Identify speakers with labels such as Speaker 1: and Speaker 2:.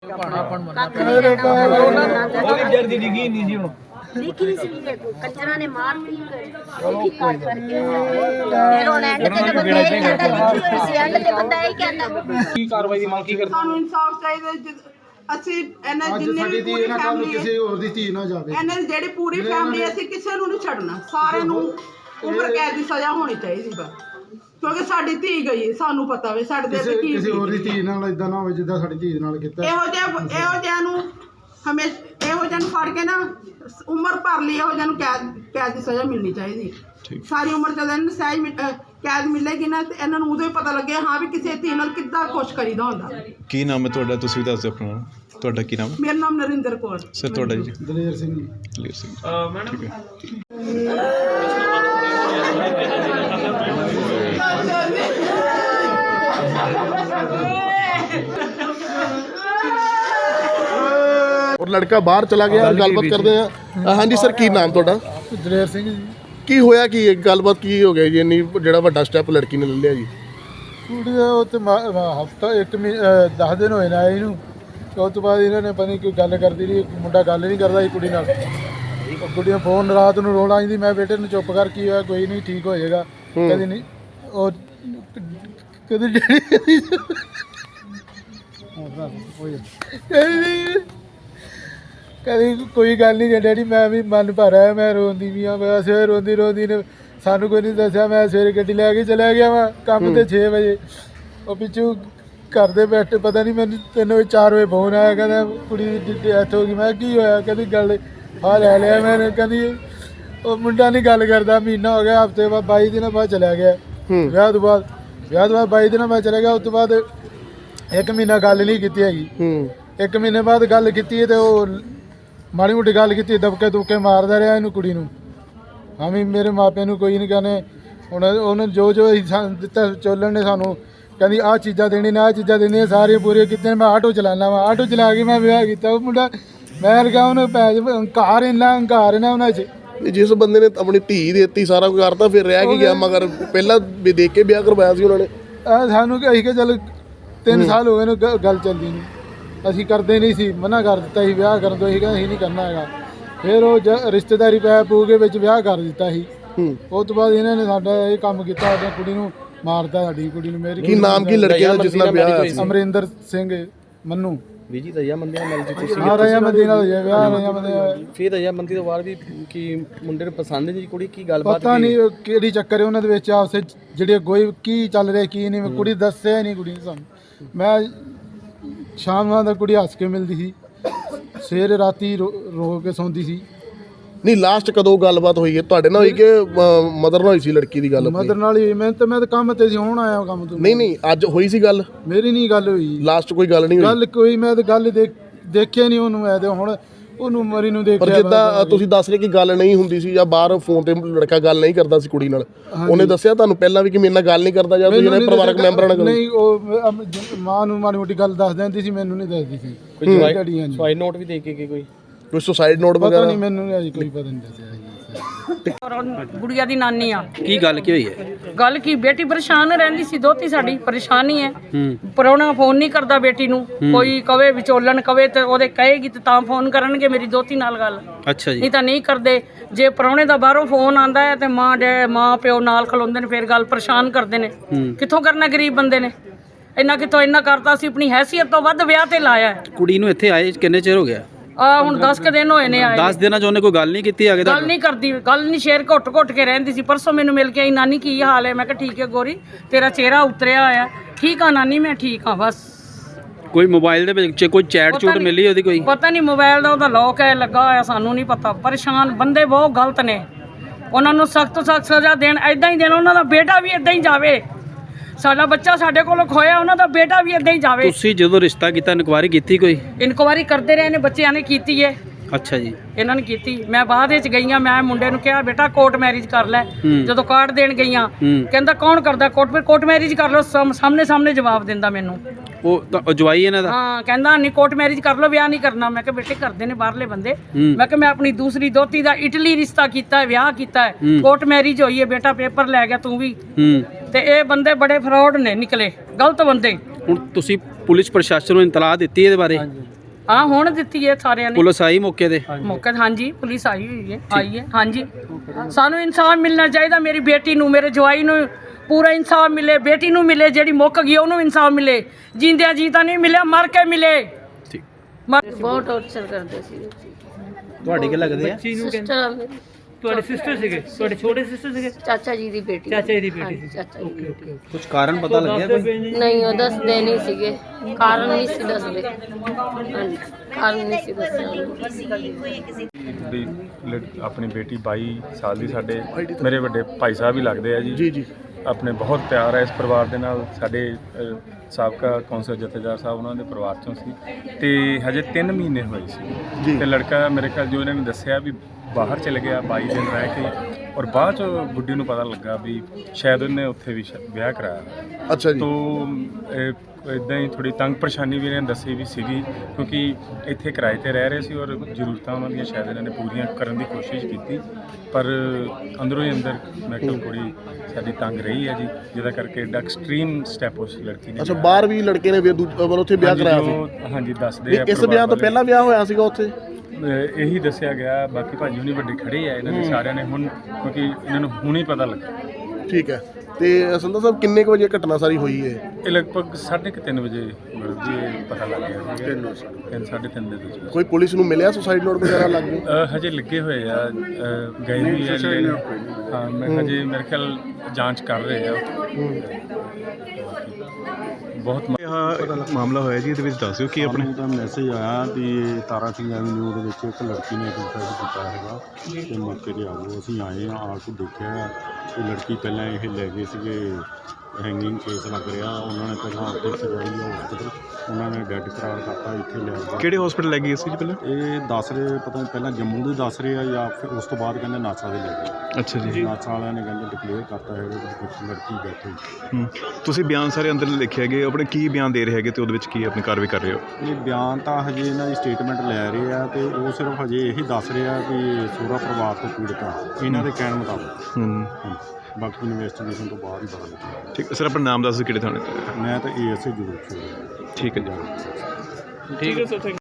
Speaker 1: देखी इसलिए कंचना ने मार दी देखी काट करके फिर ਉਹ ਐਂਡ ਤੇ ਬੰਦਾ ਇਹ ਕਹਿੰਦਾ ਦੇਖੀ ਹੋਈ ਸੀ ਐਂਡ ਤੇ ਬੰਦਾ ਇਹ ਕਹਿੰਦਾ
Speaker 2: ਕੀ ਕਾਰਵਾਈ ਦੀ ਮੰਗ ਕੀ ਕਰਦੇ
Speaker 3: ਸਾਨੂੰ ਇਨਸਾਫ ਚਾਹੀਦਾ ਅਸੀਂ ਇਹਨਾਂ ਜਿੰਨੇ ਵੀ ਪੂਰੀ ਫੈਮਿਲੀ
Speaker 4: ਕਿਸੇ ਹੋਰ ਦੀ ਧੀ ਨਾ ਜਾਵੇ
Speaker 3: ਇਹਨਾਂ ਦੀ ਜਿਹੜੀ ਪੂਰੀ ਫੈਮਿਲੀ ਅਸੀਂ ਕਿਸੇ ਨੂੰ ਨਹੀਂ ਛੱਡਣਾ ਸਾਰਿਆਂ ਨੂੰ ਉਮਰ ਕੈਦ ਦੀ ਸਜ਼ਾ ਹੋਣੀ ਚਾਹੀਦੀ ਬਸ ਕਿਉਂਕਿ ਸਾਡੀ ਧੀ ਗਈ ਸਾਨੂੰ ਪਤਾ ਵੇ ਸਾਡੇ ਤੇ ਕੀ
Speaker 4: ਕਿਸੇ ਹੋਰ ਦੀ ਧੀ ਨਾਲ ਇਦਾਂ ਨਾ ਹੋਵੇ ਜਿੱਦਾਂ ਸਾਡੀ ਧੀ ਨਾਲ ਕੀਤਾ
Speaker 3: ਇਹੋ ਜਿਹਾ ਨੂੰ ਹਮੇਸ਼ਾ ਇਹੋ ਜਿਹਾ ਨੂੰ ਫੜ ਕੇ ਨਾ ਉਮਰ ਭਰ ਲਈ ਇਹੋ ਜਿਹਾ ਨੂੰ ਕੈਦ ਦੀ ਸਜ਼ਾ ਮਿਲਣੀ ਚਾਹੀਦੀ ਸਾਰੀ ਉਮਰ ਚੱਲਣ ਨੂੰ ਸਹਿਜ ਕੈਦ ਮਿਲੇਗੀ ਨਾ ਤੇ ਇਹਨਾਂ ਨੂੰ ਉਦੋਂ ਹੀ ਪਤਾ ਲੱਗੇ ਹਾਂ ਵੀ ਕਿਸੇ ਧੀ ਨਾਲ ਕਿੱਦਾਂ ਕੁਛ ਕਰੀਦਾ ਹੁੰਦਾ।
Speaker 5: ਕੀ ਨਾਮ ਹੈ ਤੁਹਾਡਾ? ਤੁਸੀਂ ਦੱਸ ਦਿਓ ਆਪਣਾ। ਤੁਹਾਡਾ ਕੀ ਨਾਮ ਹੈ?
Speaker 3: ਮੇਰਾ ਨਾਮ ਨਰਿੰਦਰ ਕੌਰ।
Speaker 5: ਸਰ ਤੁਹਾਡਾ ਜੀ?
Speaker 4: ਦਲੇਰ ਸਿੰਘ ਜੀ।
Speaker 5: ਦਲੇਰ ਸਿੰਘ।
Speaker 2: ਮੈਡਮ
Speaker 6: और लड़का बाहर चला गया गलबात करते हैं। हाँ जी सर की नाम ਤੁਹਾਡਾ?
Speaker 4: ਦਲੇਰ ਸਿੰਘ ਜੀ।
Speaker 6: ਕੀ ਹੋਇਆ ਕੀ ਗੱਲਬਾਤ ਕੀ ਹੋ ਗਿਆ ਜੀ ਇੰਨੀ ਜਿਹੜਾ ਵੱਡਾ ਸਟੈਪ ਲੜਕੀ ਨੇ ਲੈ ਲਿਆ ਜੀ?
Speaker 4: ਕੁੜੀ ਦਾ ਉਹ ਤੇ ਹਫਤਾ 10 ਦਿਨ ਹੋਏ ਨਾ ਇਹਨੂੰ ਉਸ ਤੋਂ ਬਾਅਦ ਇਹਨਾਂ ਨੇ ਪਤਾ ਨਹੀਂ ਕੋਈ ਗੱਲ ਕਰਦੀ ਰਹੀ ਮੁੰਡਾ ਗੱਲ ਨਹੀਂ ਕਰਦਾ ਸੀ ਕੁੜੀ ਨਾਲ ਉਹ ਕੁੜੀ ਨੂੰ ਫੋਨ ਰਾਤ ਨੂੰ ਰੋਣ ਆਈਂਦੀ ਮੈਂ ਬੇਟੇ ਨੂੰ ਚੁੱਪ ਕਰ ਕੀ ਹੋਇਆ ਕੋਈ ਨਹੀਂ ਠੀਕ ਹੋ ਜਾਏਗਾ ਕਦੀ ਨਹੀਂ ਉਹ ਕਦੀ ਕਦੀ ਕੋਈ ਗੱਲ ਨਹੀਂ ਡੈਡੀ ਮੈਂ ਵੀ ਮਨ ਭਰ ਆਇਆ ਮੈਂ ਰੋਂਦੀ ਵੀ ਆ ਮੈਂ ਸਵੇਰ ਰੋਂਦੀ ਨੇ ਸਾਨੂੰ ਕੋਈ ਨਹੀਂ ਦੱਸਿਆ ਮੈਂ ਸਵੇਰੇ ਗੱਡੀ ਲੈ ਕੇ ਚਲਿਆ ਗਿਆ ਵਾ ਕੰਮ ਤੇ 6 ਵਜੇ ਉਹ ਪਿੱਛੋਂ ਘਰ ਦੇ ਬੈਠੇ ਪਤਾ ਨਹੀਂ ਮੈਨੂੰ 3 ਵਜੇ 4 ਵਜੇ ਫੋਨ ਆਇਆ ਕਹਿੰਦਾ ਕੁੜੀ ਦੀ ਡੈਥ ਹੋ ਗਈ। ਮੈਂ ਕੀ ਹੋਇਆ ਕਹਿੰਦੀ ਗੱਲ ਆ ਲੈ ਲਿਆ ਮੈਂ ਕਹਿੰਦੀ ਉਹ ਮੁੰਡਾ ਨਹੀਂ ਗੱਲ ਕਰਦਾ ਮਹੀਨਾ ਹੋ ਗਿਆ ਹਫਤੇ ਬਾਅਦ 22 ਦਿਨਾਂ ਬਾਅਦ ਚਲਿਆ ਗਿਆ ਵਿਆਹ ਤੋਂ ਬਾਅਦ 22 ਦਿਨਾਂ ਬਾਅਦ ਚਲਿਆ ਗਿਆ ਉਸ ਤੋਂ ਬਾਅਦ 1 ਮਹੀਨਾ ਗੱਲ ਨਹੀਂ ਕੀਤੀ ਹੈਗੀ 1 ਮਹੀਨੇ ਬਾਅਦ ਗੱਲ ਕੀਤੀ ਤੇ ਉਹ ਮਾੜੀ ਮੋਟੀ ਗੱਲ ਕੀਤੀ ਦਬਕੇ ਦੁਬਕੇ ਮਾਰਦਾ ਰਿਹਾ ਇਹਨੂੰ ਕੁੜੀ ਨੂੰ ਹਾਂ ਵੀ ਮੇਰੇ ਮਾਪਿਆਂ ਨੂੰ ਕੋਈ ਨਹੀਂ ਕਹਿੰਦੇ ਹੁਣ ਉਹਨੇ ਜੋ ਅਸੀਂ ਸਾਨੂੰ ਦਿੱਤਾ ਚੋਲਣ ਨੇ ਸਾਨੂੰ ਕਹਿੰਦੀ ਆਹ ਚੀਜ਼ਾਂ ਦੇਣੀ ਨੇ ਆਹ ਚੀਜ਼ਾਂ ਦੇਣੀਆਂ ਸਾਰੀਆਂ ਪੂਰੀਆਂ ਕੀਤੀਆਂ ਮੈਂ ਆਟੋ ਚਲਾਉਂਦਾ ਵਾ ਆਟੋ ਚਲਾ ਕੇ ਮੈਂ ਵਿਆਹ ਕੀਤਾ ਉਹ ਮੁੰਡਾ ਮੈਂ ਕਿਹਾ ਉਹਨੂੰ ਹੰਕਾਰ ਇਹਨਾਂ ਉਹਨਾਂ 'ਚ
Speaker 6: ਜਿਸ ਬੰਦੇ ਨੇ ਆਪਣੀ ਧੀ ਦੇਤੀ ਸਾਰਾ ਕੁਝ ਕਰਤਾ ਫਿਰ ਰਹਿ ਕੀ ਗਿਆ ਮਗਰ ਪਹਿਲਾਂ ਵੀ ਦੇਖ ਕੇ ਵਿਆਹ ਕਰਵਾਇਆ ਸੀ ਉਹਨਾਂ ਨੇ
Speaker 4: ਸਾਨੂੰ ਅਸੀਂ ਕਿ ਚੱਲ 3 ਸਾਲ ਹੋ ਗਏ ਨੇ ਗੱਲ ਚੱਲਦੀ ਨਹੀਂ ਅਸੀਂ ਕਰਦੇ ਨਹੀਂ ਸੀ ਮਨਾ ਕਰ ਦਿੱਤਾ ਸੀ ਵਿਆਹ ਕਰਨ ਤੋਂ ਅਸੀਂ ਕਹਿੰਦੇ ਅਸੀਂ ਨਹੀਂ ਕਰਨਾ ਹੈਗਾ ਫਿਰ ਉਹ ਰਿਸ਼ਤੇਦਾਰੀ ਪੈ ਪੂਗੇ ਵਿੱਚ ਵਿਆਹ ਕਰ ਦਿੱਤਾ ਸੀ ਉਸ ਤੋਂ ਬਾਅਦ ਇਹਨਾਂ ਨੇ ਸਾਡਾ ਇਹ ਕੰਮ ਕੀਤਾ ਸਾਡੀ ਕੁੜੀ ਨੂੰ ਮਾਰਤਾ ਸਾਡੀ ਕੁੜੀ ਨੂੰ ਮੇਰੀ
Speaker 6: ਕੀ ਨਾਮ ਕੀ ਲੜਕੇ ਦਾ ਜਿਸ ਨਾਲ ਵਿਆਹ ਹੋਇਆ ਸੀ?
Speaker 4: ਅਮਰਿੰਦਰ ਸਿੰਘ ਮੰਨੂ
Speaker 2: ਵੀ ਜੀ ਰਜਾਮੰਦੀ ਨਾਲ ਮਿਲ ਚੁੱਕੀ ਸੀ।
Speaker 4: ਹਾਂ ਰਜਾਮੰਦੀ ਨਾਲ ਹੋਇਆ ਵਿਆਹ ਰਜਾਮੰਦੀ
Speaker 2: ਫਿਰ ਰਜਾਮੰਦੀ ਤੋਂ ਬਾਅਦ ਵੀ ਕੀ ਮੁੰਡੇ ਨੂੰ ਪਸੰਦ ਨਹੀਂ ਕੁੜੀ ਕੀ ਗੱਲਬਾਤ
Speaker 4: ਪਤਾ ਨਹੀਂ ਕਿਹੜੀ ਚੱਕਰ ਹੈ ਉਹਨਾਂ ਦੇ ਵਿੱਚ ਆਪਸ ਵਿੱਚ ਜਿਹੜੇ ਕੋਈ ਕੀ ਚੱਲ ਰਿਹਾ ਕੀ ਨਹੀਂ ਕੁੜੀ ਦੱਸਿਆ ਨਹੀਂ ਕੁੜੀ ਨੇ ਸਾਨੂੰ ਮੈਂ ਸ਼ਾਮ ਨੂੰ ਦਾ ਕੁੜੀ ਹੱਸ ਕੇ ਮਿਲਦੀ ਸੀ ਸਵੇਰੇ ਰਾਤੀ ਰੋ ਕੇ ਸੌਂਦੀ ਸੀ।
Speaker 6: ਨਹੀਂ ਲਾਸਟ ਕਦੋਂ ਗੱਲਬਾਤ ਹੋਈ ਹੈ ਤੁਹਾਡੇ ਨਾਲ ਹੋਈ ਕਿ ਮਦਰ ਨਾਲ ਹੋਈ ਸੀ ਲੜਕੀ ਦੀ ਗੱਲ?
Speaker 4: ਮਦਰ ਨਾਲ ਹੀ ਮੈਂ ਤਾਂ ਕੰਮ ਤੇ ਸੀ ਹੁਣ ਆਇਆ ਕੰਮ ਤੋਂ।
Speaker 6: ਨਹੀਂ ਅੱਜ ਹੋਈ ਸੀ ਗੱਲ?
Speaker 4: ਮੇਰੀ ਨਹੀਂ ਗੱਲ ਹੋਈ
Speaker 6: ਲਾਸਟ ਕੋਈ ਗੱਲ ਨਹੀਂ ਹੋਈ?
Speaker 4: ਗੱਲ ਕੋਈ ਮੈਂ ਤਾਂ ਗੱਲ ਦੇਖਿਆ ਨਹੀਂ ਉਹਨੂੰ ਐ ਤੇ ਹੁਣ ਉਹਨੂੰ ਮਰੀ ਨੂੰ ਦੇਖਿਆ।
Speaker 6: ਪਰ ਜਿੱਦਾਂ ਤੁਸੀਂ ਦੱਸ ਰਹੇ ਕਿ ਗੱਲ ਨਹੀਂ ਹੁੰਦੀ ਸੀ ਜਾਂ ਬਾਹਰ ਫੋਨ ਤੇ ਲੜਕਾ ਗੱਲ ਨਹੀਂ ਕਰਦਾ ਸੀ ਕੁੜੀ ਨਾਲ ਉਹਨੇ ਦੱਸਿਆ ਤੁਹਾਨੂੰ ਪਹਿਲਾਂ ਵੀ ਕਿ ਮੇਰੇ ਨਾਲ ਗੱਲ ਨਹੀਂ ਕਰਦਾ ਜਾਂ ਤੁਸੀਂ ਇਹਨਾਂ ਪਰਿਵਾਰਕ ਮੈਂਬਰਾਂ ਨਾਲ?
Speaker 4: ਨਹੀਂ ਉਹ ਮਾਂ ਨੂੰ ਮਾੜੀ ਮੋਟੀ ਗੱਲ ਦੱਸ ਦਿੰਦੀ ਸੀ ਮੈਨੂੰ ਨਹੀਂ ਦੱਸਦੀ ਸੀ।
Speaker 2: ਕੋਈ ਸੁਸਾਈਡ ਨੋਟ ਵੀ ਦੇ ਕੇ ਕੋਈ
Speaker 6: ਸੁਸਾਈਡ ਨੋਟ
Speaker 4: ਪਤਾ
Speaker 6: ਵਗੈਰਾ?
Speaker 4: ਨਹੀਂ ਮੈਨੂੰ ਅਜੇ ਕੋਈ ਪਤਾ ਨਹੀਂ ਦੱਸਿਆ ਜੀ।
Speaker 7: ਗੁੜੀਆ ਦੀ ਨਾਨੀ ਆ।
Speaker 2: ਕੀ ਗੱਲ ਕੀ ਹੋਈ ਹੈ?
Speaker 7: ਗੱਲ ਕੀ ਬੇਟੀ ਪਰੇਸ਼ਾਨ ਰਹਿੰਦੀ ਸੀ ਦੋਤੀ ਸਾਡੀ ਪਰੇਸ਼ਾਨੀ ਹੈ ਪਰੋਣਾ ਫੋਨ ਨਹੀਂ ਕਰਦਾ ਬੇਟੀ ਨੂੰ ਕੋਈ ਕਵੇ ਵਿਚੋਲਣ ਕਵੇ ਤੇ ਉਹਦੇ ਕਹੇਗੀ ਤੇ ਤਾਂ ਫੋਨ ਕਰਨਗੇ ਮੇਰੀ ਦੋਤੀ ਨਾਲ ਗੱਲ।
Speaker 2: ਅੱਛਾ ਜੀ।
Speaker 7: ਨਹੀਂ ਤਾਂ ਨਹੀਂ ਕਰਦੇ ਜੇ ਪਰੋਣੇ ਦਾ ਬਾਹਰੋਂ ਫੋਨ ਆਂਦਾ ਹੈ ਤੇ ਮਾਂ ਪਿਓ ਨਾਲ ਖਲੋਂਦੇ ਨੇ ਫਿਰ ਗੱਲ ਪਰੇਸ਼ਾਨ ਕਰਦੇ ਨੇ ਕਿੱਥੋਂ ਕਰਨਾ ਗਰੀਬ ਬੰਦੇ ਨੇ ਇੰਨਾ ਕਿੱਥੋਂ ਇੰਨਾ ਕਰਤਾ ਸੀ ਆਪਣੀ ਹੈਸੀਅਤ ਤੋਂ ਵੱਧ ਵਿਆਹ ਤੇ ਲਾਇਆ।
Speaker 2: ਕੁੜੀ ਨੂੰ ਇੱਥੇ ਆਏ ਕਿੰਨੇ ਚਿਰ ਹੋ ਗਿਆ?
Speaker 7: ਹੁਣ 10 ਕੁ ਦਿਨ ਹੋਏ ਨੇ ਆਏ।
Speaker 2: 10 ਦਿਨਾਂ 'ਚ ਉਹਨੇ ਕੋਈ ਗੱਲ ਨਹੀਂ ਕੀਤੀ ਆਗੇ?
Speaker 7: ਗੱਲ ਨਹੀਂ ਕਰਦੀ ਗੱਲ ਨਹੀਂ ਸ਼ੇਰ ਘੁੱਟ ਕੇ ਰਹਿੰਦੀ ਸੀ। ਪਰਸੋਂ ਮੈਨੂੰ ਮਿਲ ਕੇ ਆਈ ਨਾਨੀ ਕੀ ਹਾਲ ਹੈ? ਮੈਂ ਕਿਹਾ ਠੀਕ ਹੈ ਗੋਰੀ ਤੇਰਾ ਚਿਹਰਾ ਉਤਰਿਆ ਹੋਇਆ। ਠੀਕ ਆ ਨਾਨੀ ਮੈਂ ਠੀਕ ਆ ਬਸ।
Speaker 2: ਕੋਈ ਮੋਬਾਈਲ ਦੇ ਵਿੱਚ ਕੋਈ ਚੈਟ ਚੂਟ ਮਿਲੀ ਉਹਦੀ ਕੋਈ?
Speaker 7: ਪਤਾ ਨਹੀਂ ਮੋਬਾਈਲ ਦਾ ਉਹਦਾ ਲੋਕ ਹੈ ਲੱਗਾ ਹੋਇਆ ਸਾਨੂੰ ਨਹੀਂ ਪਤਾ। ਪਰੇਸ਼ਾਨ ਬੰਦੇ ਬਹੁਤ ਗਲਤ ਨੇ ਉਹਨਾਂ ਨੂੰ ਸਖਤ ਤੋਂ ਸਖਤ ਸਜ਼ਾ ਦੇਣ ਐਦਾਂ ਹੀ ਦੇਣ ਉਹਨਾਂ ਦਾ ਬੇਟਾ ਵੀ ਐਦਾਂ ਹੀ ਜਾਵੇ। ਸਾਡਾ ਬੱਚਾ ਸਾਡੇ ਕੋਲੋਂ ਖੋਇਆ ਉਹਨਾਂ ਦਾ ਬੇਟਾ ਵੀ ਐਦਾਂ ਹੀ ਜਾਵੇ।
Speaker 2: ਤੁਸੀਂ ਜਦੋਂ ਰਿਸ਼ਤਾ ਕੀਤਾ ਇਨਕੁਆਇਰੀ ਕੀਤੀ ਕੋਈ?
Speaker 7: ਇਨਕੁਆਇਰੀ ਕਰਦੇ ਰਹੇ ਨੇ ਬੱਚਿਆਂ ਨੇ ਕੀਤੀ ਹੈ।
Speaker 2: ਅੱਛਾ ਜੀ।
Speaker 7: ਇਹਨਾਂ ਨੇ ਕੀਤੀ। ਮੈਂ ਬਾਅਦ ਵਿੱਚ ਗਈਆਂ ਮੈਂ ਮੁੰਡੇ ਨੂੰ ਕਿਹਾ ਬੇਟਾ ਕੋਰਟ ਮੈਰਿਜ ਕਰ ਲੈ। ਜਦੋਂ ਕਾਰਡ ਦੇਣ ਗਈਆਂ ਕਹਿੰਦਾ ਕੌਣ ਕਰਦਾ ਕੋਰਟ ਮੈਰਿਜ ਕਰ ਲਓ। ਸਾਹਮਣੇ ਜਵਾਬ ਦਿੰਦਾ ਮੈਨੂੰ
Speaker 2: ਉਹ ਜਵਾਈ ਇਹਨਾਂ ਦਾ।
Speaker 7: ਹਾਂ ਕਹਿੰਦਾ ਨਹੀਂ ਕੋਰਟ ਮੈਰਿਜ ਕਰ ਲਓ ਵਿਆਹ ਨਹੀਂ ਕਰਨਾ। ਮੈਂ ਕਿਹਾ ਬੇਟੇ ਕਰਦੇ ਨੇ ਬਾਹਰਲੇ ਬੰਦੇ। ਮੈਂ ਕਿਹਾ ਮੈਂ ਆਪਣੀ ਦੂਸਰੀ ਦੋਤੀ ਦਾ ਇਟਲੀ ਰਿਸ਼ਤਾ ਕੀਤਾ ਵਿਆਹ ਕੀਤਾ ਹੈ ਕੋਰਟ ਮੈਰਿਜ ਹੋਈ ਹੈ ਬੇਟਾ ਪੇਪਰ ਲੈ ਗਿਆ ਤੂੰ ਵੀ। ਤੇ ਇਹ ਬੰਦੇ ਬੜੇ ਫਰਾਡ ਨੇ ਨਿਕਲੇ ਗਲਤ ਬੰਦੇ।
Speaker 2: ਹੁਣ ਤੁਸੀਂ ਪੁਲਿਸ ਪ੍ਰਸ਼ਾਸਨ ਨੂੰ ਇਤਲਾਹ ਦਿੱਤੀ ਇਹਦੇ ਬਾਰੇ?
Speaker 7: ਹਾਂ ਹੁਣ ਦਿੱਤੀ ਹੈ ਸਾਰਿਆਂ ਨੇ
Speaker 2: ਪੁਲਿਸ ਆਈ ਮੌਕੇ ਤੇ?
Speaker 7: ਮੌਕੇ ਤੇ ਹਾਂਜੀ ਪੁਲਿਸ ਆਈ ਹੋਈ ਹੈ ਹਾਂਜੀ। ਸਾਨੂੰ ਇਨਸਾਫ ਮਿਲਣਾ ਚਾਹੀਦਾ, ਮੇਰੀ ਬੇਟੀ ਨੂੰ, ਮੇਰੇ ਜਵਾਈ ਨੂੰ ਪੂਰਾ ਇਨਸਾਫ ਮਿਲੇ, ਬੇਟੀ ਨੂੰ ਮਿਲੇ, ਜਿਹੜੀ ਮੁੱਕ ਗਈ ਉਹਨੂੰ ਇਨਸਾਫ ਮਿਲੇ, ਜਿੰਦਿਆਂ ਜੀ ਤਾਂ ਨਹੀਂ ਮਿਲਿਆ, ਮਰ ਕੇ ਮਿਲੇ।
Speaker 2: ਠੀਕ।
Speaker 1: ਬਹੁਤ ਟੌਰਚਰ ਕਰਦੇ ਸੀ
Speaker 2: ਤੁਹਾਡੇ ਕੀ ਲੱਗਦੇ ਆ?
Speaker 1: ਸਿਸਟਰ
Speaker 8: ਤੁਹਾਡੇ ਸਿਸਟਰ ਸੀਗੇ, ਤੁਹਾਡੇ ਛੋਟੇ ਸਿਸਟਰ ਸੀਗੇ?
Speaker 1: ਚਾਚਾ ਜੀ ਦੀ ਬੇਟੀ।
Speaker 8: ਚਾਚਾ ਜੀ ਦੀ ਬੇਟੀ
Speaker 1: ਹਾਂਜੀ, ਚਾਚਾ ਜੀ ਦੀ ਬੇਟੀ।
Speaker 2: ਕੁਝ ਕਾਰਨ ਪਤਾ ਲੱਗਿਆ ਕੋਈ?
Speaker 1: ਨਹੀਂ ਉਹ ਦੱਸਦੇ ਨਹੀਂ ਸੀਗੇ, ਕਾਰਨ ਨਹੀਂ ਸੀ ਦੱਸਦੇ। ਹਾਂਜੀ ਕਾਰਨ ਨਹੀਂ ਸੀ ਦੱਸਦੇ।
Speaker 9: ਦੀ ਆਪਣੀ ਬੇਟੀ 22 ਸਾਲ ਦੀ, ਸਾਡੇ ਮੇਰੇ ਵੱਡੇ ਭਾਈ ਸਾਹਿਬ ਹੀ ਲੱਗਦੇ ਆ ਜੀ।
Speaker 6: ਜੀ
Speaker 9: ਆਪਣੇ ਬਹੁਤ ਪਿਆਰ ਹੈ ਇਸ ਪਰਿਵਾਰ ਦੇ ਨਾਲ। ਸਾਡੇ ਸਾਬਕਾ ਕੌਂਸਲ ਜਥੇਦਾਰ ਸਾਹਿਬ ਉਹਨਾਂ ਦੇ ਪਰਿਵਾਰ ਚੋਂ ਸੀ ਤੇ ਹਜੇ 3 ਮਹੀਨੇ ਹੋਏ ਸੀ ਤੇ ਲੜਕਾ ਮੇਰੇ ਖਿਆਲ ਜੋ ਇਹਨਾਂ ਨੇ ਦੱਸਿਆ ਵੀ ਬਾਹਰ ਚਲੇ ਗਿਆ 22 ਦਿਨ ਰਹਿ ਕੇ, ਔਰ ਬਾਅਦ ਚ ਗੁੱਡੀ ਨੂੰ ਪਤਾ ਲੱਗਾ ਵੀ ਸ਼ਾਇਦ ਉਹਨੇ ਉੱਥੇ ਵੀ ਵਿਆਹ ਕਰਾਇਆ।
Speaker 6: ਅੱਛਾ ਜੀ।
Speaker 9: ਤੋਂ ਇਦਾਂ ਹੀ ਥੋੜੀ ਤੰਗ ਪਰੇਸ਼ਾਨੀ ਵੀ ਇਹਨਾਂ ਨੇ ਦੱਸੀ ਵੀ ਸੀਗੀ, ਕਿਉਂਕਿ ਇੱਥੇ ਕਿਰਾਏ ਤੇ ਰਹਿ ਰਹੇ ਸੀ ਔਰ ਜ਼ਰੂਰਤਾਂ ਉਹਨਾਂ ਦੀਆਂ ਸ਼ਾਇਦ ਇਹਨਾਂ ਨੇ ਪੂਰੀਆਂ ਕਰਨ ਦੀ ਕੋਸ਼ਿਸ਼ ਕੀਤੀ, ਪਰ ਅੰਦਰੋਂ ਹੀ ਅੰਦਰ ਮੈਂ ਕਿਹਾ ਕੁੜੀ ਸਾਡੀ ਤੰਗ ਰਹੀ ਹੈ ਜੀ, ਜਿਹਦਾ ਕਰਕੇ ਐਡਾ ਐਕਸਟ੍ਰੀਮ ਸਟੈਪ ਉਸ ਲੜਕੀ ਨੇ।
Speaker 6: ਅੱਛਾ ਬਾਹਰ ਵੀ ਲੜਕੇ ਨੇ ਫਿਰ ਉੱਥੇ ਵਿਆਹ ਕਰਾਇਆ ਸੀ?
Speaker 9: ਹਾਂਜੀ ਦੱਸਦੇ ਆ।
Speaker 6: ਇਸ ਵਿਆਹ ਤੋਂ ਪਹਿਲਾਂ ਵਿਆਹ ਹੋਇਆ ਸੀਗਾ ਉੱਥੇ?
Speaker 9: ਇਹੀ ਦੱਸਿਆ ਗਿਆ, ਬਾਕੀ ਭਾਜੀ ਹੁਣੀ ਵੱਡੇ ਖੜੇ ਆ ਇਹਨਾਂ ਦੇ ਸਾਰਿਆਂ ਨੇ ਹੁਣ, ਕਿਉਂਕਿ ਇਹਨਾਂ ਨੂੰ ਹੁਣੇ ਪਤਾ ਲੱਗਾ।
Speaker 6: ਠੀਕ ਹੈ। ਤੇ ਸੰਧਾ ਸਾਹਿਬ ਕਿੰਨੇ ਕੁ ਵਜੇ ਘਟਨਾ ਸਾਰੀ ਹੋਈ ਹੈ?
Speaker 9: ਇਹ ਲਗਭਗ 3:30 ਵਜੇ ਜੀ ਪਤਾ ਲੱਗ ਗਿਆ ਸੀਗਾ। 3:30 ਦੇ ਵਿੱਚ।
Speaker 6: ਕੋਈ ਪੁਲਿਸ ਨੂੰ ਮਿਲਿਆ ਸੁਸਾਈਡ ਨੋਟ ਵਗੈਰਾ ਲੱਗ ਗਏ?
Speaker 9: ਹਜੇ ਲੱਗੇ ਹੋਏ ਆ, ਗਏ ਵੀ ਆ। ਹਾਂ ਮੈਂ ਹਜੇ ਮੇਰੇ ਖਿਆਲ ਜਾਂਚ ਕਰ ਰਹੇ ਆ। ਬਹੁਤ
Speaker 5: ਮਾਮਲਾ ਹੋਇਆ ਜੀ, ਇਹਦੇ ਵਿੱਚ ਦੱਸ ਦਿਓ ਕੀ ਆਪਣੇ
Speaker 10: ਦਾ ਮੈਸੇਜ ਆਇਆ ਵੀ ਤਾਰਾ ਸਿੰਘ ਐਵਨਿਊ ਦੇ ਵਿੱਚ ਇੱਕ ਲੜਕੀ ਨੇ ਸੁਸਾਈਡ ਕੀਤਾ ਹੈਗਾ ਤੇ ਮੌਕੇ ਤੇ ਆ ਗਏ। ਅਸੀਂ ਆਏ ਆ ਕੇ ਦੇਖਿਆ ਕਿ ਲੜਕੀ ਪਹਿਲਾਂ ਇਹ ਲੈ ਗਏ ਸੀਗੇ, ਹੈਂਗਿੰਗ ਕੇਸ ਲੱਗ ਰਿਹਾ। ਉਹਨਾਂ ਨੇ ਪਹਿਲਾਂ ਉੱਥੇ ਸਜਾਈ ਆ ਹਸਪੀਟਲ, ਉਹਨਾਂ ਨੇ ਡੈਡ ਕਰਾਰ ਕਰਤਾ, ਇੱਥੇ ਲੈ ਗਏ।
Speaker 5: ਕਿਹੜੇ ਹਸਪੀਟਲ ਲੈ ਗਏ ਸੀ ਜੀ ਪਹਿਲਾਂ?
Speaker 10: ਇਹ ਦੱਸ ਰਹੇ, ਪਤਾ ਨਹੀਂ ਪਹਿਲਾਂ ਜੰਮੂ ਦੇ ਦੱਸ ਰਹੇ ਆ ਜਾਂ ਫਿਰ ਉਸ ਤੋਂ ਬਾਅਦ ਕਹਿੰਦੇ ਨਾਸਾ ਦੇ ਲੈ ਗਏ।
Speaker 5: ਅੱਛਾ ਜੀ।
Speaker 10: ਨਾਸਾ ਵਾਲਿਆਂ ਨੇ ਕਹਿੰਦੇ ਡਿਕਲੇਅਰ ਕਰਤਾ ਹੈਗਾ ਕਿ ਲੜਕੀ ਡੈਥ ਹੋਈ।
Speaker 5: ਤੁਸੀਂ ਬਿਆਨ ਸਾਰੇ ਅੰਦਰ ਲਿਖੇ ਹੈਗੇ, ਆਪਣੇ ਕੀ ਬਿਆਨ ਦੇ ਰਹੇ ਹੈਗੇ ਤੇ ਉਹਦੇ ਵਿੱਚ ਕੀ ਆਪਣੀ ਕਾਰਵਾਈ ਕਰ ਰਹੇ ਹੋ?
Speaker 10: ਇਹ ਬਿਆਨ ਤਾਂ ਹਜੇ ਇਹਨਾਂ ਦੀ ਸਟੇਟਮੈਂਟ ਲੈ ਰਹੇ ਆ ਤੇ ਉਹ ਸਿਰਫ ਹਜੇ ਇਹੀ ਦੱਸ ਰਹੇ ਆ ਕਿ ਸਹੁਰਾ ਪਰਿਵਾਰ ਤੋਂ ਪੀੜਤ ਆ, ਇਹਨਾਂ ਦੇ ਕਹਿਣ ਮੁਤਾਬਕ। ਬਾਕੀ ਇਨਵੈਸਟੀਗੇਸ਼ਨ ਤੋਂ ਬਾਅਦ ਹੀ ਪਤਾ ਲੱਗੇਗਾ।
Speaker 5: ਠੀਕ ਸਰ, ਆਪਣਾ ਨਾਮ ਦੱਸ ਦਿਓ ਕਿਹੜੇ ਥਾਣੇ ਤੇ?
Speaker 10: ਮੈਂ ਤਾਂ ASA ਜ਼ਰੂਰ
Speaker 5: ਠੀਕ ਹੈ ਜੀ।
Speaker 2: ਠੀਕ ਹੈ ਸਰ।